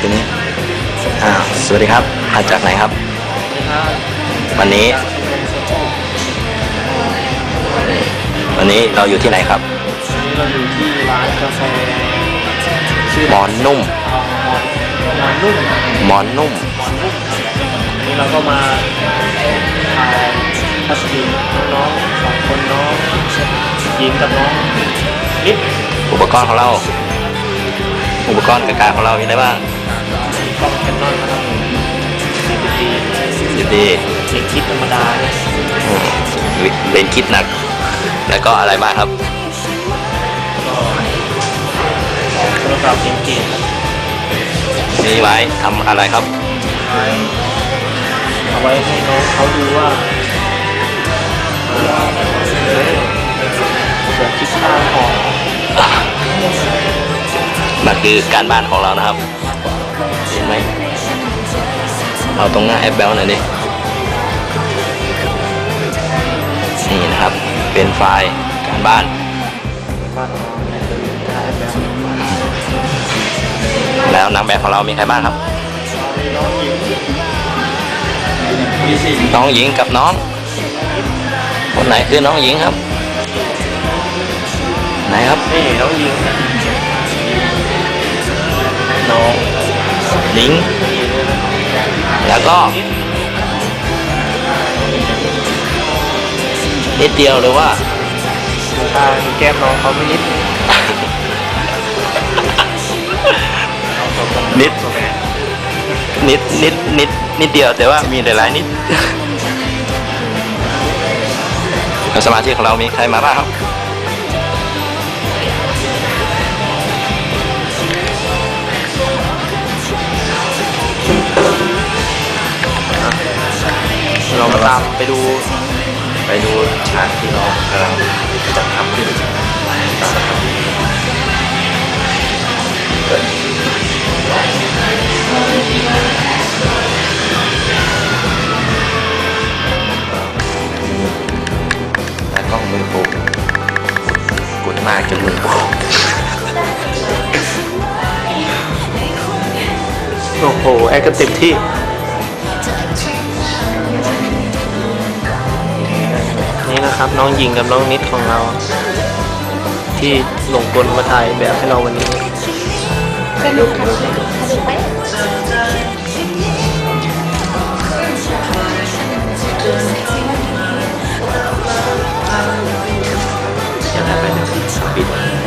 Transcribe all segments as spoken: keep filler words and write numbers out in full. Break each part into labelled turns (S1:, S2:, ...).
S1: นนี้อ้าวสวัสดีครับมาจากไหนครับวันนี้วันนี้เราอยู่ที่ไหนครับ
S2: วันนี้เราอยู่ที่ร้านกาแฟชื่อ
S1: หมอนนุ่ม
S2: หมอนนุ่ม
S1: หมอนนุ่ม
S2: หมอนนุ่มนี่เราก็มาถ่ายทัศนีน้องๆสองคนน้องหญิงกับน้องนิด
S1: อุปกรณ์ของเราอุปกรณ์การของเรามีอะไรบ้าง
S2: กล้องแคนนอนนะครับซีดี
S1: ซีดี
S2: เลนส์คิดธรรมดา
S1: เลนส์คิดหนักแล้วก็อะไรบ้างครับ
S2: ก็โทรศัพท์เก่งๆ
S1: นี่ไว้ทำอะไรครับ
S2: เอาไว้ให้น้องเขาดูว่าเกิดคิดข้าวของ
S1: นั่นคือการบ้านของเรานะครับเห็นไหมเอาตรงหน้าแอปเบลหน่อยดินี่นะครับเป็นไฟล์การบ้านแล้วนางแบบของเรามีใครบ้างครับน้องหญิงกับน้องคนไหนคือน้องหญิงครับไหนครับ
S2: นี่น้องหญิง
S1: น้องหญิงแล้วก็นิดเดียวหรือว่า
S2: ตาแก้มน้องเขาไม่นิด
S1: นิดนิดนิดนิดนิดเดียวแต่ว่ามีหลายๆนิดสมาชิกของเรามีใครมาบ้างครับ
S2: เรามาตามไปดู
S1: ไปดูฉากที่เรากำลังจะทำขึ้นแต่กล้องมือโปกกดมากจนมือโปก
S2: โอ้โหแอคกันเต็มที่นี่นะครับน้องหญิงกับน้องนิดของเราที่หลงกลมาถ่ายแบบให้เราวันนี้
S3: สนุกสนุกไหม
S1: จะได้ไปหนึ่งปิด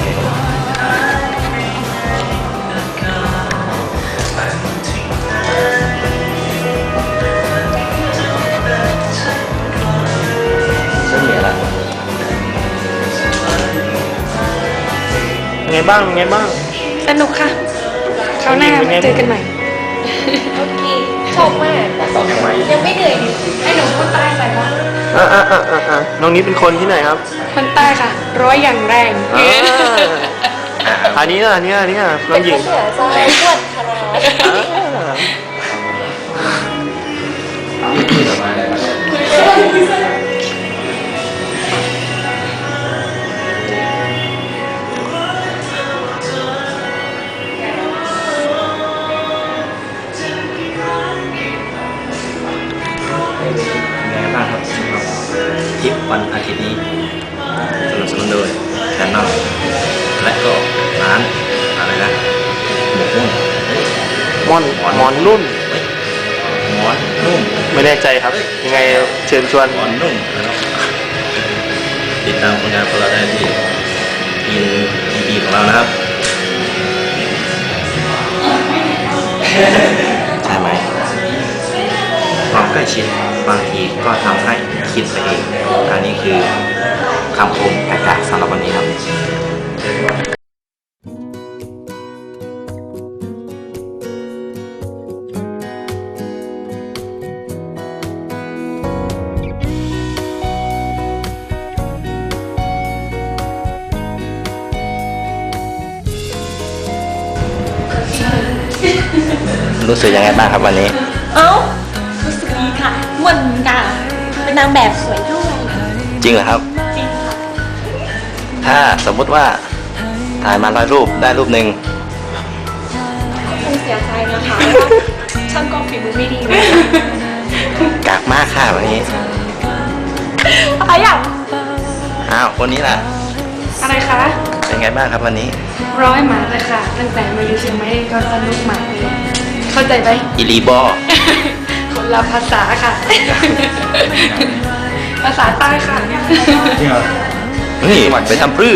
S2: ไงบ้างไงบ้าง
S3: สนุกค่ะคราวหน้ามาเจอกันใหม่โอเคชอบมากยังไม่เหนื่อยไอ้หนุ่มคนใต้ใส่ปะ
S2: อ่าอ่าอ่าอ่าน้องนี้เป็นคนที่ไหนครับ
S3: คนใต้ค่ะร้อยอย่างแรง
S2: อันนี้อ่ะอันนี้อันนี้น้องหญิง
S3: เป็นคนเหนือใจอ้วนขนาด
S1: ทริปวันอาทิตย์นี้สนับสนุนโดยแคนนอนและก็ร้านอะไรนะหมกมุ่น
S2: มอนหมอนนุ่ม
S1: หมอนนุ่ม
S2: ไม่แน่ใจครับยังไงเชิญชวน
S1: หมอนนุ่มนะครับติดตามผลงานของเราได้ที่ทีมทีวีของเรานะครับใช่ไหมความใกล้ชิดบางทีก็ทำให้คิดไปเองอันนี้คือคำคมแปลกๆสำหรับวันนี้ครับรู้สึกยังไงบ้างครับวันนี้
S3: เอ้ารู้สึกดีค่ะม่วนค่ะเป็นนางแบบสวยด้วย
S1: จริงเหรอครับ
S3: จริงค่ะ
S1: ถ้าสมมุติว่าถ่ายมาร้อยรูปได้รูปหนึ่ง
S3: ต้องเสียใจนะคะช่างก็ฝีมือไม่ดีเลย
S1: กากมากค่ะวันนี้
S3: อะไรอ่ะ
S1: อ้าวคนนี้ล่ะ
S3: อะไรคะ
S1: เป็นไงบ้างครับวันนี้
S3: ร้อยหมาเลยค่ะ ตั้งแต่มาอยู่เชียงใหม่ก็สนุกมากเลย เข้าใจไหม
S1: อิลีบอ
S3: คนละภาษาค่ะ ภาษาใต้ค่ะ
S1: นี่ไปทำปลื้อ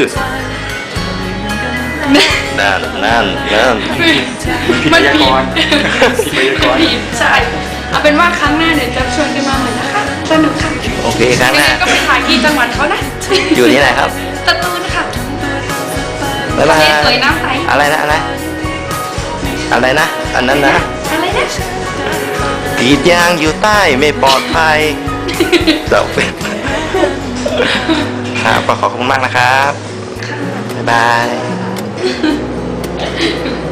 S1: นั่นนั่นนั่น
S3: มันผิดผิดใช่ เอาเป็นว่าครั้งหน้าเดี๋ยวจะชวนกันมาใหม่นะคะ สนุกค่ะ
S1: โอเคครั้งห
S3: ยัง
S1: น้า
S3: ไงก็ไปถ่ายที่จังหวัดเขานะ
S1: อยู่ที่ไหนครับ
S3: สตูลค่ะ
S1: บ๊ายบาย
S3: ทะเลสวยน้ำใส
S1: อะไรนะอะไรอะไรนะอันนั้นนะ
S3: อะไรนะ
S1: กรีดยางอยู่ใต้ไม่ปลอดภัยเจ้าเป็นครับก็ขอบคุณมากนะครับ บ๊ายบาย